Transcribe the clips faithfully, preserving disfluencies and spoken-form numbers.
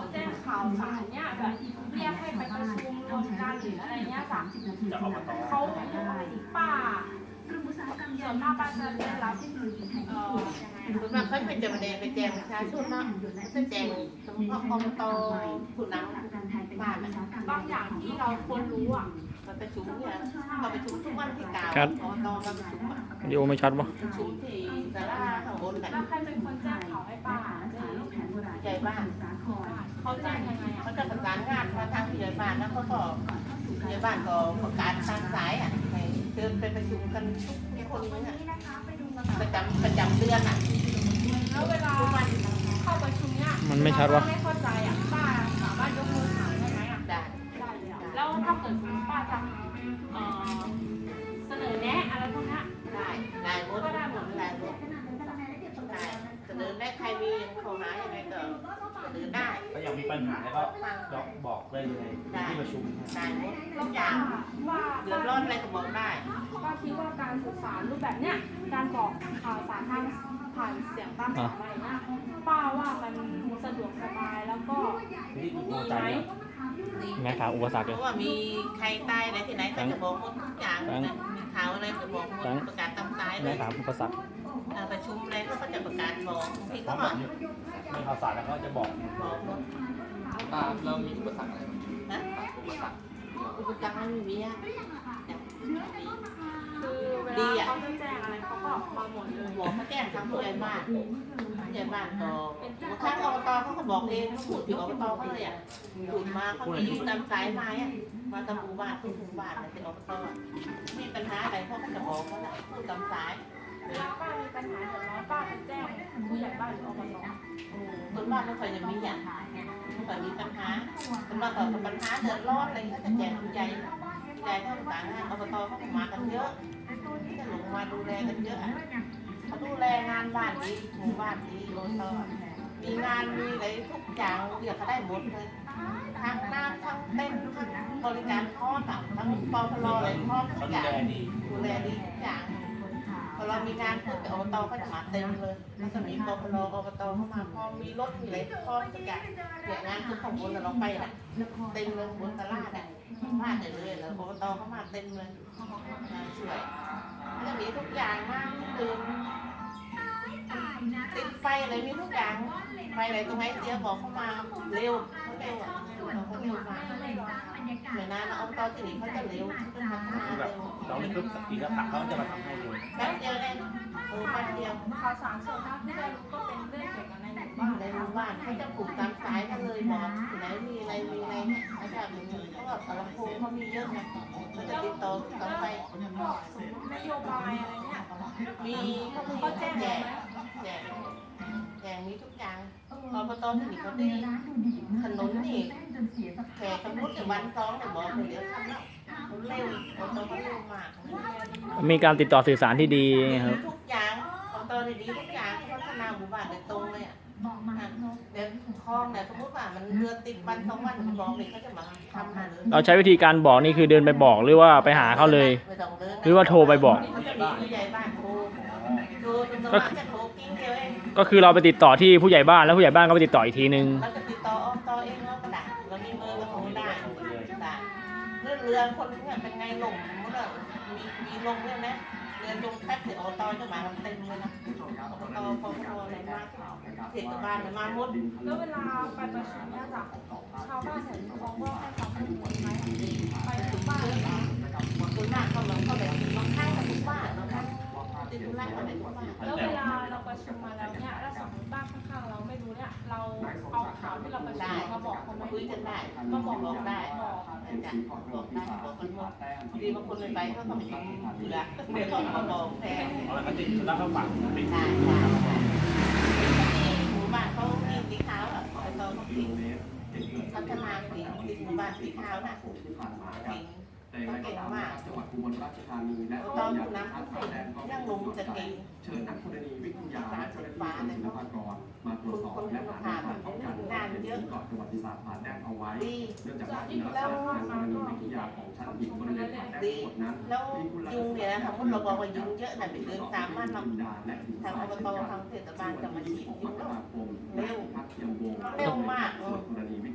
แจ้งข่าวสารเนี่ยแบบเรียกให้ไปประชุมรวมกันหรืออะไรเงี้ยจ้ะเขาป้าส่วนมากป้าจะได้รับเอ่อยังไงส่วนมากเขาไม่จะมาแดงไปแจงประชาชนเนาะจะแจงเฉพาะอบตผู้นำบ้านบางอย่างที่เราควรรู้อ่ะมาประชุมเนี่ยมาประชุมทุกวันที่เก้าอบตมาประชุมวิดีโอไม่ชัดปะประชุมที่ศาลาข้างบนกันแล้วใครเป็นคนแจ้งข่าวให้ป้าใหญ่บ้านเขาแจ้งยังไงอ่ะเขาจะประสานงานมาทางผู้ใหญ่บ้านแล้วเขาก็ผู้ใหญ่บ้านก็ประกาศทางสายอ่ะให้เชิญไปประชุมกันทุกคนเนี่ยประจำประจำเดือนอ่ะแล้วเวลาเข้าประชุมเนี่ยมันไม่ชัดวะไม่เข้าใจอ่ะป้าสามารถยกมือถามได้ไหมอ่ะได้ได้เลยอ่ะแล้วถ้าเกิดสมมติป้าจะเอ่อเสนอแนะอะไรพวกเนี้ยได้ได้หมดได้หมดได้หมดได้เสนอแนะใครมีข้อหายังไงก็เสนอได้ถ้าอยากมีปัญหาแล้วก็บอกได้เลยที่ประชุมได้หมดแล้ทุวกอป้าย่างว่าเดือดร้อนอะไรก็บอกได้ป้าคิดว่าการสื่อสารรูปแบบเนี้ยการบอกข่าวสารทางผ่านเสียงตามสายอะไรเงี้ยป้าว่ามันสะดวกสบายแล้วก็ที่ดีดูไหใจมแม่ข่าวอุปสรรคเพเลยราะว่ามีใครตายอะไรที่ไหนก็จะบอกหมดทุกอย่างมีข่าวอะไรก็บอกหมดประกาศตามสายเลแม่ยข่าวอุปสรรคประชุมอะไรก็จะประกาศบอกที่เพเขาราะบแบอกบมีข่าวสารแล้วก็จะบอกบอกหมดตาเรามีอุปสรรคอะไรไหมนะอุปสรรคอุปสรรคไม่มีอ่ะคือเวลาเขาจะแจ้งอะไรเขาก็มาหมดเลยบอกเขาแจ้งทางผู้ใหญ่บ้านผู้ใหญ่บ้านก็ทางอบตเขาก็บอกเองเขาพูดถึงอบตเขาเลยอ่ะพูดมาเขามีตามสายมาอ่ะมาตามหมู่บ้านทุกหมู่บ้านเลยที่อบตมีปัญหาอะไรเขาก็จะบอกเขาละพูดตามสายเวลาป้ามีปัญหาเดือดร้อนป้าจะแจ้งผู้ใหญ่บ้านหรืออบตคนบ้านไม่ค่อยจะมีอย่างไม่ค่อยมีปัญหาคนบ้านก็ปัญหาเดือดร้อนอะไรก็จะแจ้งผู้ใหญ่ผู้ใหญ่เขาต่างงานอบตเขาก็มากันเยอะจะลงมาดูแลกันเยอะเขาดูแลงานบ้านดีหมู่บ้านดีอบตมีงานมีอะไรทุกอย่างเรียกเขาได้หมดเลยทั้งน้ำทั้งเต้นทั้งบริการทอดอ่ะทั้งปอพลอะไรทอดทุเขากอดูย่างแลดีดูแลดีทุกอย่างพอเรามีงานปุ๊บอบตก็จะมาเต็มเลยแล้วก็มีปอพลอบตเข้ามาพอมีรถมีอะไรพร้อมทุกอย่างเนี่ยงานคือของบนเราไปอ่ะเต็มเลยบนตลาดอ่ะพลาดเลยเลยแล้วอบตเข้ามาเต็มเลยงานสวยแล้วมีทุกอย่างมากตื่นติดไฟอะไรมีทุกอย่างไฟอะไรตรงไหนเสียบอกเข้ามาเร็วเขาเร็วอ่ะเขาเร็วมากเหมือนนะอบตที่นี่เขาจะเร็วเขาจะพัฒนาแบเร็บวเราไม่ปุ๊บสักทีแล้วผักเขาจะมาทำให้เลยแป๊บเดียวเองโอ้แป๊บเดียวข่าวสารส่วนมากที่ได้รู้ก็เป็นเรื่องเกี่ยวกับในหมู่บ้านในหมู่บ้านเขาจะปลูกตามสายกันเลยบอกที่ไหนมีอะไรมีอะไรเนี่ยเขาจะมีเพราะว่าตลาดโพเขามีเยอะนะเขาจะติดต่อต่อไปพวกสมมตินโยบายอะไรเนี่ยมีเขามีเขาแจ้งแจไหมกแจกแจกมีทุกอย่างอบตที่นี่เขาดีถนนนี่แขกสมมติวันสองเนี่ยบอกเลยเดี๋ยวทำแล้วเร็วอบตเขาเร็วมากมีการติดต่อสื่อสารที่ดีครับทุกอย่างอบตดีทุกอย่างพัฒนาหมู่บ้านโดยตรงเลยอ่ะเดี๋ยวคลองเนี่ยสมมติว่ามันเรือติดวันสองวันมันบอกเลยเขาจะมาทำมาเลยเราใช้วิธีการบอกนี่คือเดินไปบอกหรือว่าไปหาเขาเลยไม่ต้องเดินนะหรือว่าโทรไปบอกเขาจะมีผู้ใหญ่บ้านโทรโทรจนประมาณจะโทรกิ้งเดียวเองก็คือเราไปติดต่อที่ผู้ใหญ่บ้านแล้วผู้ใหญ่บ้านก็ไปติดต่ออีกทีนึงเราจะติดต่ออบตเองเราก็ได้เรามีเบอร์ก็โทรได้ได้เรื่องเรือคนเนี่ยเป็นไงลงมันก็มีมีลงเนี่ยนะเรือจงแป๊บเดียวอบตจะมากันเต็มเลยนะอบตพอพออะไรมาเทศบาลเนี่ยมาหมดแล้วเวลาไปประชุมเนี่ยจ้ะชาวบ้านแถวนี้เขาก็ให้ความร่วมมือไหมไปทุกบ้านเลยนะคนหน้าเขาเราเขาแบบบางครั้งกับทุกบ้านบางครั้งติดธุระเขาไปทุกบ้านแล้วเวลาเราประชุมมาแล้วเนี่ยแล้วสมมติบ้านข้างๆเราไม่รู้เนี่ยเราเอาข่าวที่เราประชุมมาบอกเขาไหมคุยกันได้มาบอกบอกได้บอกจ้ะบอกได้บอกกันหมดดีบางคนเลยไปเขาก็ไม่ต้องเผื่อเดี๋ยวเขามาบอกแทนเอาละก็ติดแล้วก็ฝังติดได้ได้ที่หมู่บ้านเขามีสีขาวอ่ะไอ้ตอนเขาสีพัฒนาสีสีหมู่บ้านสีขาวน่ะสีเขาเก่งมากจังหวัดอุบลราชธานีและตอนผู้นำเขาเก่งยังลงจะเก่งเชิญนักธรณีวิทยาและเจ้าหน้าที่กรมศิลปากรมาตรวจสอบและหาแนวทางป้องกันการที่เกาะประวัติศาสตร์ผ่านแดนเอาไว้ดีเนื่องจากว่าคุณลักษณะทางธรณีวิทยาของชั้นหินบริเวณผ่านแดนดีทั้งหมดนั้นแล้วยุงเนี่ยนะสมมติเราบอกว่ายุงเยอะแต่เป็นเดือนสามวันเราทางอบตทางเทศบาลจะมาฉีดยุงแล้วเร็วเร็วมากธรณีวิ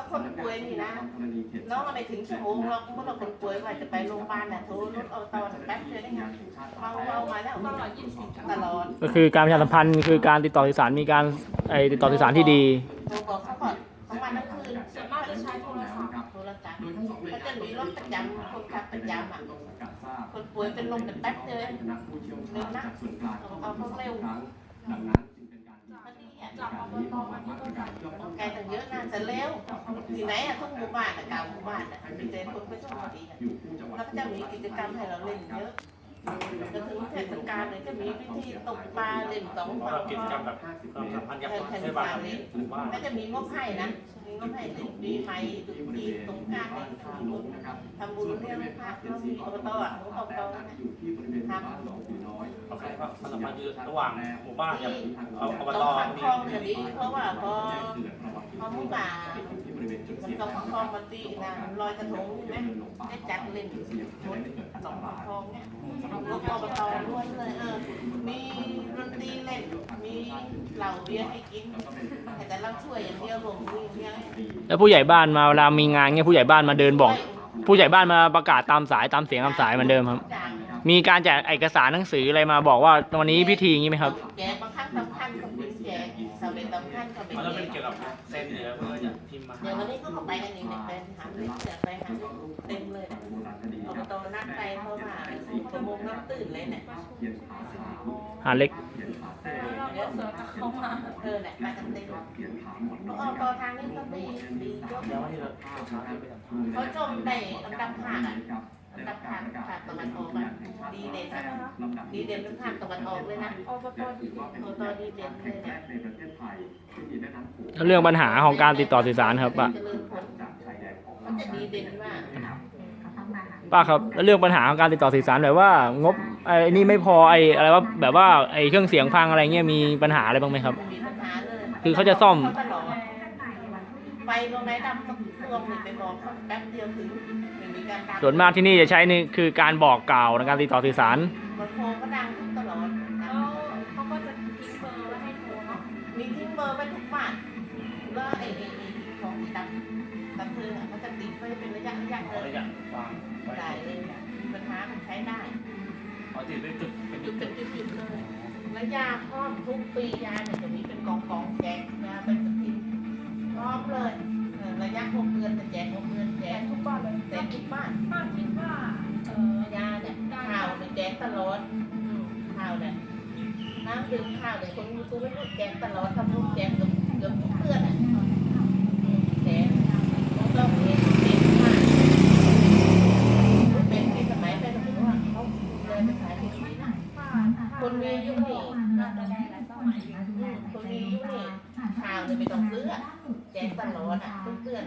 คนป่วยนี่นะน้องอะไรถึงชั่วโมงเราเมื่อเราคนป่วยว่าจะไปโรงพยาบาลน่ะโทรรถเอาตอนแป๊บเดียวได้ไงเอาเอามาแล้วตลอดยี่สิบตลอดก็คือการประชาสัมพันธ์คือการติดต่อสื่อสารมีการไอติดต่อสื่อสารที่ดีโทรบอกเขาก่อนทั้งวันทั้งคืนส่วนมากจะใช้โทรศัพท์โทรศัพท์เขาจะมีรถประจำคนขับประจำอ่ะคนป่วยเป็นลมเป็นแป๊บเดียวเร็วนะเอาเขาเร็วดังนั้นจึงเป็นการพอดีอ่ะจากอบตมาที่ต้นแบบไกลตั้งเยอะนะแต่เร็วที่ไหนอ่ะทุกหมู่บ้านอ่ะเก่าหมู่บ้านอ่ะมีแต่คนไปช่วยพอดีอ่ะอยู่คู่จังหวัดแล้วก็จะมีกิจกรรมให้เราเล่นเยอะจนถึงเทศกาลเลยจะมีพิธีตกปลาเล่นสองฝั่งกิจกรรมแบบความสัมพันธ์กับเทศบาลหรือว่าก็จะมีงบให้นะมีงบให้เล่นปีใหม่ตุกจีนสงกรานต์ให้ทำบุญทำบุญเรื่องพระเขามีอบตอ่ะของอบตนะอยู่ที่บริเวณบ้านหนองผีน้อยโอเคครับความสัมพันธ์ระหว่างหมู่บ้านกับที่อบตต้องฟังมีคลองจะดีเพราะว่าพอพอหมู่บ้านที่บริเวณจุดมันเสี่ยงต้องฟังคลองมันตีนะลอยกระทงใช่ไหมได้จัดเล่นชนสองฟังคลองเนี่ยงบอบตล้วนเลยเออมีดนตรีเล่นมีเหล้าเบียร์ให้กินแต่เราช่วยอย่างเดียวรวมมืออย่างเดียวแล้วผู้ใหญ่บ้านมาเวลามีงานเงี้ยผู้ใหญ่บ้านมาเดินบอก ผู้ใหญ่บ้านมาประกาศตามสายตามเสียงตามสายเหมือนเดิมครับ มีการแจกเอกสารหนังสืออะไรมาบอกว่าวันนี้พิธีอย่างนี้ไหมครับแจกบางครั้งสำคัญก็เป็นแจกสำเร็จสำคัญก็เป็นมันจะแจเป็นกเกี่ยวกับเส้นเหนือเพื่อจะพิมพ์มาเดี๋ยววันนี้ก็ไปกันอีกเนี่ยเป็นหาเรื่องเสือไปหาเต็มเลยอบตนัดไปเพราะว่าชั่วโมงนับตื่นเลยเนี่ยหาเล็กเดี๋ยวเสือจะเข้ามาเออเนี่ยไปกันเต็มเพราะอบตทางนี้ก็ดีดีเยอะแล้ววันที่เราเช้าที่ไปทำเขาจมได้อันดับห้าอ่ะอันดับห้าภาคตะวันออกอ่ะดีเด่นอะดีเด่นเป็นภาคตะวันออกเลยนะอบตดีอบตดีเด่นเลยเนี่ยในประเทศไทยที่มีแม่น้ำโขงแล้วเรื่องปัญหาของการติดต่อสื่อสารครับป้าเจริญผลจากชายแดนของมันจะดีเด่นมากป้าครับแล้วเรื่องปัญหาของการติดต่อสื่อสารแบบว่างบไอ้นี่ไม่พอไอ้อะไรว่าแบบว่าไอ้เครื่องเสียงพังอะไรเงี้ยมีปัญหาอะไรบ้างไหมครับมีปัญหาเลยคือเขาจะซ่อมตลอดไฟตรงไหนดำสักดวงหนึ่งไปบอกเขาแป๊บเดียวถึงไม่มีการตามส่วนมากที่นี่จะใช้นี่คือการบอกกล่าวในการติดต่อสื่อสารบนโทรก็ดังทุกตลอดแล้วเขาก็จะทิ้งเบอร์ไว้ให้โทรเนาะมีทิ้งเบอร์ไว้ทุกบ้านแล้วไอ้ไอ้ไอ้ของดับดับเพลิงอ่ะเขาจะติดไว้เป็นระยะระยะขเลอย ระยะวางไว้ได้เลยมีปัญหามันใช้ได้ขอติดเป็นจุดเป็นจุจุดดจุดจุดจุดเลยแล้วยาพร้อมทุกปียาเนี่ยจะมีเป็นกองกองแจกยาเป็นสติพร้อมเลยเออระยะหกเดือนจะแจกหกเดือนแจแจกกทุกบ้านเลยแจกทุกบ้านป้าคิดว่าเออยาเนี่ยข้าวเนี่ยแจกตลอดอืมข้าวเนี่ยน้ำดื่มข้าวเนี่ยคนมีตู้ไม่รู้แจกตลอดทำบุญแจกเกือบเกือบทุกเดือนอ่ะแจกแล้วก็มีเด็กมากเป็นที่สมัยเป็นถึงว่าเขาเลยไปขายที่นี่นะ คนมีอายุนี่คนมีอายุนี่ข่าวเนี่ยไม่ต้องซื้ออะแจกตลอดอ่ะทุกเดือน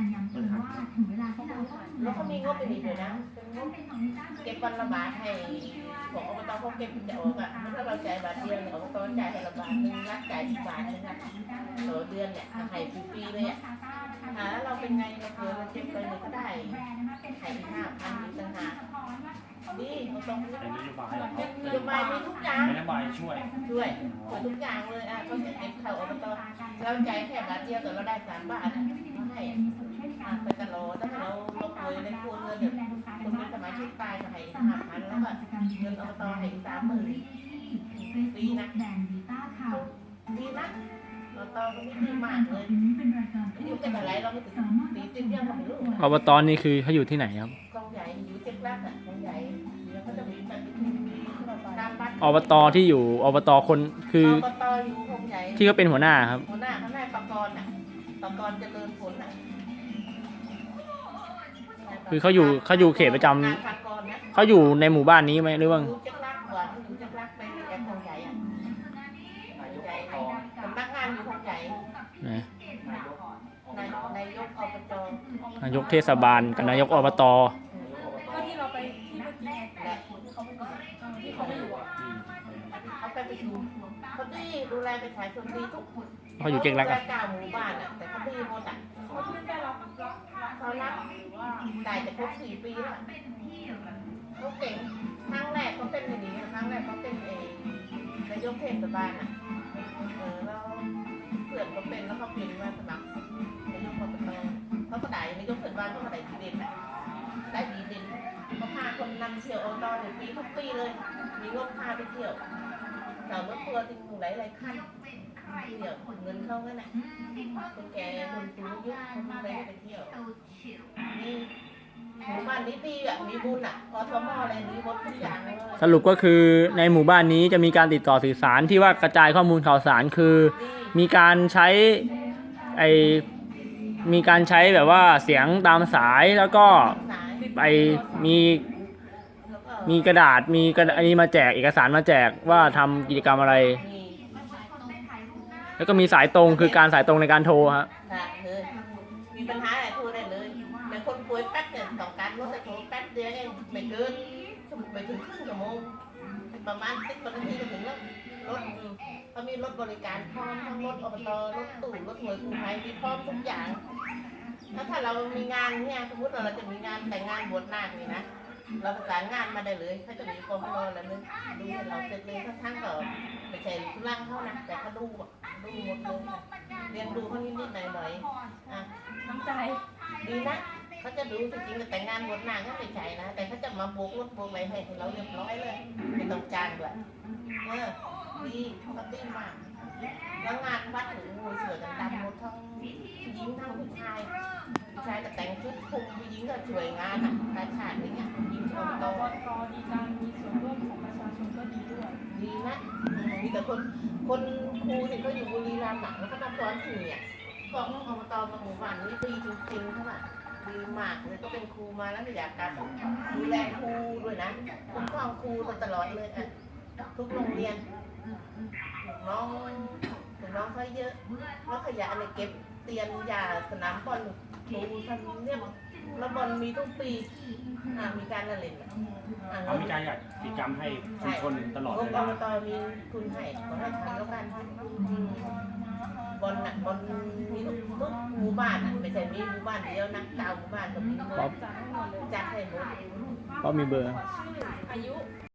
แล้วเขามีงบไปดีเลยนะเป็นงบเก็บวันละบาทให้ของอบตเขาเก็บจะออกอ่ะถ้าเราจ่ายบาทเดียวเนี่ยอบตจ่ายให้ละบาทนึงรัฐจ่ายอีกบาทนึงนะต่อเดือนเนี่ยให้ฟรีๆเลยอ่ะหาเราเป็นไงเราเผื่อเราเก็บไปเลยก็ได้ให้อีกห้าพันอีกต่างหากดีเราต้องเป็นนโยบายของเขานโยบายมีทุกอย่างเป็นนโยบายช่วยช่วยช่วยทุกอย่างเลยอ่ะเขาจะเก็บเข้าอบตเราจ่ายแค่บาทเดียวแต่เราได้สามบาทอ่ะเราให้อ่ะไปตลอดถ้าเราลงเลยในครัวเรือนเนี่ยคนเป็นสมาชิกตายก็ให้ห้าพันแล้วก็เงินอบตให้สามหมื่นดีนะดีนะอบตก็ไม่ดีมากเลยอายุเป็นอะไรเราไม่ถึงสี่สิบยังไม่รู้อบตนี่คือเขาอยู่ที่ไหนครับกองใหญ่อยู่เจ็ดลักอ่ะกองใหญ่แล้วก็จะมีปฏิทินตามบัตรอบตที่อยู่อบตคนคืออบตอยู่กองใหญ่ที่เขาเป็นหัวหน้าครับหัวหน้าเขานายปกรณ์น่ะปกรณ์เจริญผลน่ะคือเขาอยู่เขาอยู่เขตประจำนายปกรณ์นะเขาอยู่ในหมู่บ้านนี้ไหมหรือว่าอยู่จักรลักก่อนอยู่จักรลักไปแอร์ทองใหญ่อ่ะใหญ่สำนักงานอยู่ทองใหญ่ไหนนายนายกอบจนายกเทศบาลกับนายกอบตก็ที่เราไปที่เมื่อกี้และที่เขาไม่อยู่อ่ะเขาไปประชุมเขาดีดูแลประชาชนดีทุกคนเขาอยู่เจ๊งรักดูแลอ่ะเก้าหมู่บ้านอ่ะแต่เขาดีหมดอ่ะเขาที่ได้รับรับรับเขารับว่าตายจะครบสี่ปีแล้วเขาเก่งครั้งแรกเขาเป็นอย่างนี้ครั้งแรกเขาเป็นเองนายกเทศบาลอ่ะเออแล้วเพื่อนเขาเป็นแล้วเขาเปลี่ยนมาสมัครนายกอบตมีทุกปีเลย มีงบพาไปเที่ยวสาวรถทัวร์ที่หลายหลายๆคันเที่ยวเงินเข้างั้นน่ะคนแก่คนสูงอายุคนไปไปเที่ยวนี่หมู่บ้านนี้ดีอ่ะมีบุญอ่ะอสมอะไรนี้หมดทุกอย่างเลยสรุปก็คือในหมู่บ้านนี้จะมีการติดต่อสื่อสารที่ว่ากระจายข้อมูลข่าวสารคือดีมีการใช้ไอมีการใช้แบบว่าเสียงตามสายแล้วก็สายไอมีแล้วก็มีกระดาษมีกระดาษอันนี้มาแจกเอกสารมาแจกว่าทำกิจกรรมอะไรมีแล้วก็มีสายตรงคือการสายตรงในการโทรฮะค่ะเลยมีปัญหาอะไรโทรได้เลยแต่คนป่วยแป๊บเนี่ยต้องการรถแต่โทรแป๊บเดียวเองไม่เกินไม่ถึงครึ่งชั่วโมงประมาณสิบนาทีก็ถึงแล้วรถอืมเขามีรถบริการพร้อมทั้งรถอบตรถตู้รถหน่วยกู้ภัยมีพร้อมทุกอย่างถ้าถ้าเรามีงานเนี่ยสมมติว่าเราจะมีงานแต่งงานบวชนาคนี่นะเราประสานงานมาได้เลยเขาจะมีความรอแล้วนึงดูให้เราเสร็จเลยทั้งทั้งๆก็ไม่ใช่ทุลังเขานะแต่เขาดูอ่ะดูหมดเลยค่ะเรียนดูเขานิดๆหน่อยๆอ่ะน้ำใจดีนะเขาจะดูจริงๆแต่งงานบวชนางก็ไม่ใช่นะแต่เขาจะมาโบกรถโบกอะไรให้เราเรียบร้อยเลยไม่ต้องจ้างด้วยเออดีเขาดีมากแล้วงานวัดหรืองูเสือกันดำหมดทั้งผู้หญิงทั้งผู้ชายผู้ชายก็แต่งชุดคุมผู้หญิงก็ช่วยงานอ่ะการฉาดอย่างเงี้ยผู้หญิงกอบตบกดีการมีส่วนร่วมของประชาชนก็ดีด้วยดีนะอืมมีแต่คนคนครูที่เขาอยู่บุรีรัมย์อ่ะแล้วก็มาสอนที่เนี่ยบอกว่าอบตมาหมู่บ้านนี้ดีจริงๆเท่าไหร่ดีมากเลยก็เป็นครูมาแล้วไม่อยากกลับดูแลครูด้วยนะคุ้มครองครูมาตลอดเลยอ่ะทุกโรงเรียนลูกน้องลูกน้องเขาเยอะแล้วขยะอะไรเก็บเตียนยาสนามบอลครูทำเนี่ยแล้วบอลมีทุกปีอ่ะมีการละเล่นอ่ะอ่ะเขามีการจัดกิจกรรมให้ชุมชนตลอดงเวบลาอบตมีทุนให้ขอให้ทำแล้วกันอืมบอลน่ะบอลมีทุกทุกหมู่บ้านอ่ะไม่ใช่มีหมู่บ้านเดียวนะเก้าหมู่บ้านก็มีหมดครับจัดให้หมดเลยจัดให้หมดเพราะมีเบอร์ชื่ออายุ